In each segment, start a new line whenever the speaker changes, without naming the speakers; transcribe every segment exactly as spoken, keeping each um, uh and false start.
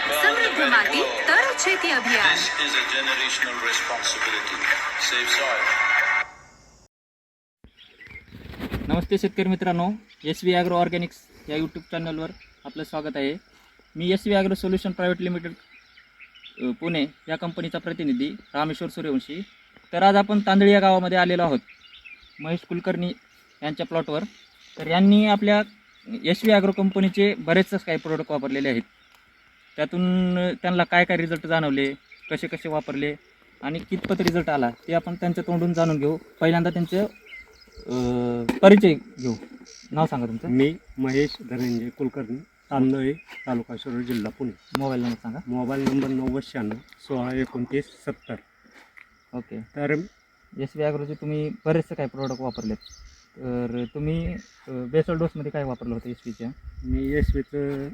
समृद्ध माती तर शेती अभियान.
This is a generational responsibility. Save soil.
नमस्ते शेतकरी मित्रांनो, एस व्ही ॲग्रो ऑर्गॅनिक्स या यूट्यूब चॅनलवर आपलं स्वागत आहे. मी S V agro solution private limited Pune या कंपनीचा प्रतिनिधी रामेश्वर सूर्यवंशी. तर आज आपण तांदळी या गावामध्ये आलेलो आहोत महेश कुलकर्णी यांच्या प्लॉटवर. तर यांनी आपल्या एस व्ही ॲग्रो कंपनीचे बरेचसे काही प्रोडक्ट वापरलेले आहेत. त्यातून त्यांना काय काय रिझल्ट जाणवले, कसे कसे वापरले आणि कितपत रिझल्ट आला ते आपण त्यांच्या तोंडून जाणून घेऊ. पहिल्यांदा त्यांचं परिचय घेऊ. नाव सांगा तुमचं.
मी महेश धनंजय कुलकर्णी, तांदळी, तालुका शिरूर, जिल्हा पुणे.
मोबाईल नंबर सांगा.
मोबाईल नंबर नव्वद शहाण्णव सोळा एकोणतीस सत्तर.
ओके.
तर
एस व्ही ॲग्रोचे तुम्ही बरेचसे काही प्रोडक्ट वापरलेत. तर तुम्ही बेसल डोसमध्ये काय वापरलं होतं एस व्हीच्या?
मी एस व्हीचं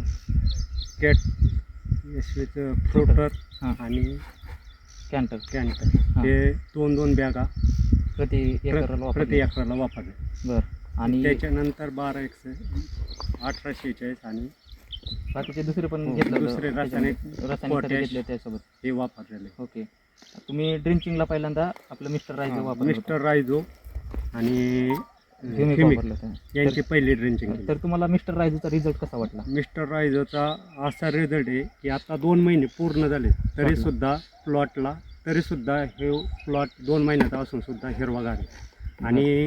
कॅट एस व्हीचं फ्रुटर
हां
आणि
कॅन्टर
कॅन्टर हे दोन दोन बॅगा
प्रति एकराला
प्रति
वापरले.
एकराला वापरले.
बरं. आणि
त्याच्यानंतर बारा एकशे अठरा शेहेचाळीस आणि
बाकीचे दुसरे पण
हो,
घेतलं
दुसरे रासायनिक
रासायनिक खते
पोटॅश
घेतले त्यासोबत.
हे वापरलेले.
ओके. तुम्ही ड्रिंचिंगला पहिल्यांदा आपलं मिस्टर रायझो वापरलं होतं.
मिस्टर रायझो आणि
Humic
Humic
वापरलं होतं.
यांची पहिली ड्रिंचिंग केली.
तर तुम्हाला मिस्टर रायझोचा रिझल्ट कसा वाटला?
मिस्टर रायझोचा असा रिझल्ट आहे की आता दोन महिने पूर्ण झाले तरी सुद्धा प्लॉटला तरी सुद्धा हे प्लॉट दोन महिन्याचा असून सुद्धा हिरवागार आहे. आणि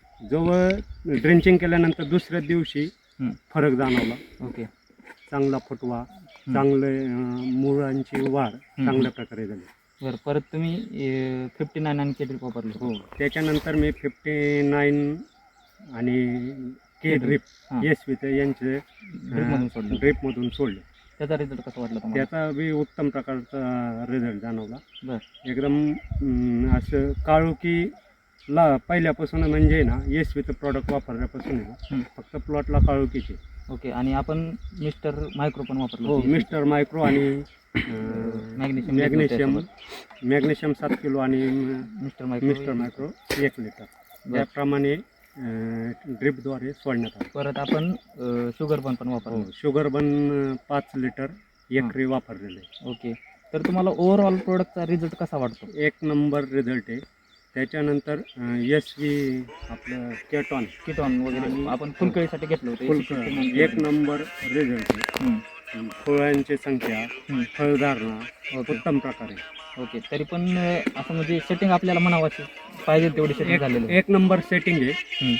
जवळ ड्रिंचिंग केल्यानंतर दुसऱ्या दिवशी
हं.
फरक जाणवला.
ओके.
चांगला फुटवा, चांगले अं, मुळांची वाढ चांगल्या प्रकारे झाली.
बरं. परत तुम्ही फिफ्टी नाईन आणि केड्रिप वापरलं.
हो. त्याच्यानंतर मी फिफ्टी नाईन आणि के ड्रिप
हां.
एस व्हीचं यांचे
ड्रिपमधून सोडलं.
ड्रिपमधून सोडले.
त्याचा रिझल्ट कसा वाटला तुम्हाला?
त्याचा बी उत्तम प्रकारचा रिझल्ट जाणवला.
बरं.
एकदम अं, असं काळोखी ला पहिल्यापासून म्हणजे ना एस व्हीचं प्रॉडक्ट वापरल्यापासून आहे
हं.
ना फक्त प्लॉटला काळोखीचे.
ओके. आणि आपण मिस्टर मायक्रो पण वापरलं
हो.
होतं.
मिस्टर मायक्रो आणि
मॅग्नेशियम
मॅग्नेशियम मॅग्नेशियम सात किलो आणि
मिस्टर मायक्रो
मिस्टर मायक्रो एक लिटर याप्रमाणे ड्रिपद्वारे सोडण्यात आलं.
परत आपण शुगर बन पण वापरलं.
हो. शुगर बन पाच लिटर एकरी वापरलेले.
ओके. तर तुम्हाला ओव्हरऑल प्रोडक्टचा रिझल्ट कसा वाटतो?
एक नंबर रिझल्ट आहे. त्याच्यानंतर एस व्ही आपलं केटॉन
किटॉन वगैरे आपण फुलकळीसाठी घेतलं होतं.
फुल एक नंबर रिझल्ट आहे.
हं.
फळांची संख्या,
हं.
फळधारणा
ओके.
उत्तम प्रकारे.
ओके. तरी पण अं, असं म्हणजे सेटिंग आपल्याला म्हणावाची पाहिजे तेवढी सेटिंग
एक
झालेलं आहे.
एक नंबर सेटिंग आहे.
हं.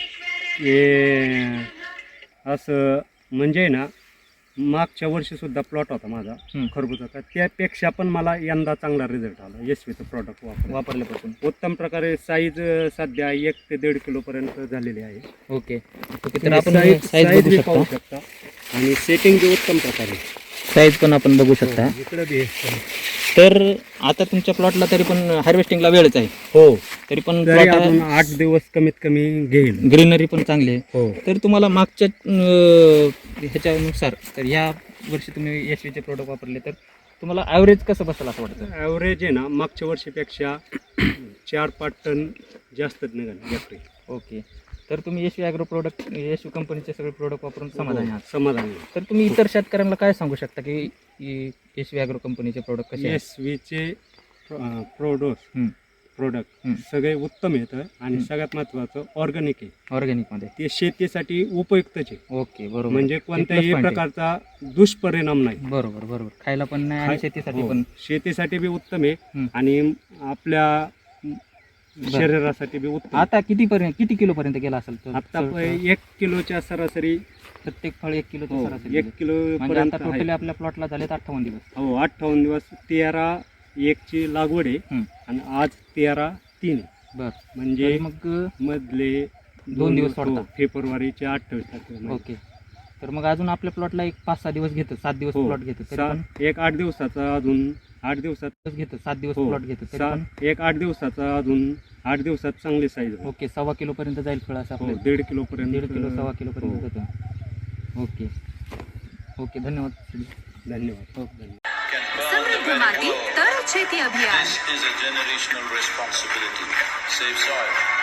हे असं म्हणजे ना मागच्या वर्षी सुद्धा प्लॉट होता माझा
हं.
खरबुजाचा, त्यापेक्षा पण मला यंदा चांगला रिझल्ट आला एस व्हीचं प्रॉडक्ट वापर
वापरल्यापासून.
उत्तम प्रकारे. साईज सध्या एक ते दीड किलो पर्यंत झालेली आहे.
ओके. ओके. तर आपण
साईज
साईज
साईज
बघू
बी
शकता.
पाहू शकता आणि सेटिंग बी उत्तम प्रकारे.
साईज पण आपण बघू शकता.
इकडे बी
तर आता तुमच्या प्लॉटला तरी पण हार्वेस्टिंगला वेळच आहे.
हो.
तरी पण
तरी
प्लॉट
अजून आठ दिवस कमीत कमी घेईल.
ग्रीनरी पण चांगली आहे.
हो.
तर तुम्हाला मागच्या अं, ह्याच्यानुसार तर ह्या वर्षी तुम्ही एस व्हीचे प्रोडक्ट वापरले तर तुम्हाला ॲव्हरेज कसं बसेल असं वाटतं?
ॲव्हरेज आहे ना मागच्या वर्षीपेक्षा चार पाच टन जास्तच निघाले एकरी.
ओके. तर तुम्ही S V agro product S V कंपनीचे सगळे प्रोडक्ट वापरून समाधानी आहात.
समाधानी.
तर तुम्ही इतर शेतकऱ्यांना काय सांगू शकता की एस व्ही ॲग्रो कंपनीचे प्रोडक्ट कसे आहेत?
एस व्हीचे प्रोडोस
हं.
प्रोडक्ट
हं.
सगळे उत्तम येतं आणि
हं.
सगळ्यात महत्त्वाचं ऑर्गॅनिक आहे.
ऑर्गॅनिकमध्ये.
ते शेतीसाठी उपयुक्तच आहे.
ओके. बरोबर.
म्हणजे कोणत्याही
point आहे.
प्रकारचा दुष्परिणाम नाही.
बरोबर बरोबर. खायला पण नाही आणि
खाय-
शेतीसाठी
हो.
पण.
शेतीसाठी बी उत्तम आहे
हं.
आणि आपल्या शरीरासाठी बी उत्तम.
आता किती पर्यंत किती किलो पर्यंत गेला असेल तो?
आता प- एक किलोच्या सरासरी
प्रत्येक फळ एक किलो
हो,
सरासरी
एक
गेलं.
किलो
म्हणजे
पर्यंत
आता
आहे.
टोटली आपल्या प्लॉटला झालेत अठ्ठावन्न दिवस.
हो. अठ्ठावन्न दिवस तेरा एकची लागवड आहे
हं.
आणि आज तेरा तीन आहे.
बर.
म्हणजे
तर मग
मधले
दोन दिवस सोडता.
हो, फेब्रुवारीचे अठ्ठावीस तारखेला.
ओके. तर मग अजून आपल्या प्लॉटला एक पाच सहा दिवस घेतं, सात दिवस
हो.
प्लॉट घेतं तरी
सा-
पण
एक आठ दिवसाचा अजून आठ दिवसात
घेतं सात दिवस
हो.
प्लॉट घेतं तरी
सा-
पण.
एक आठ दिवसाचा अजून आठ दिवसात चांगली साईज होईल.
ओके. सव्वा किलो पर्यंत जाईल फळ असं
हो.
आपलं.
दीड किलो पर्यंत.
दीड किलो सव्वा किलो पर्यंत
हो.
जातं. ओके. ओके. धन्यवाद.
धन्यवाद.
हो.
समृद्ध माती तर शेती अभियान.
This is a generational responsibility. Save soil.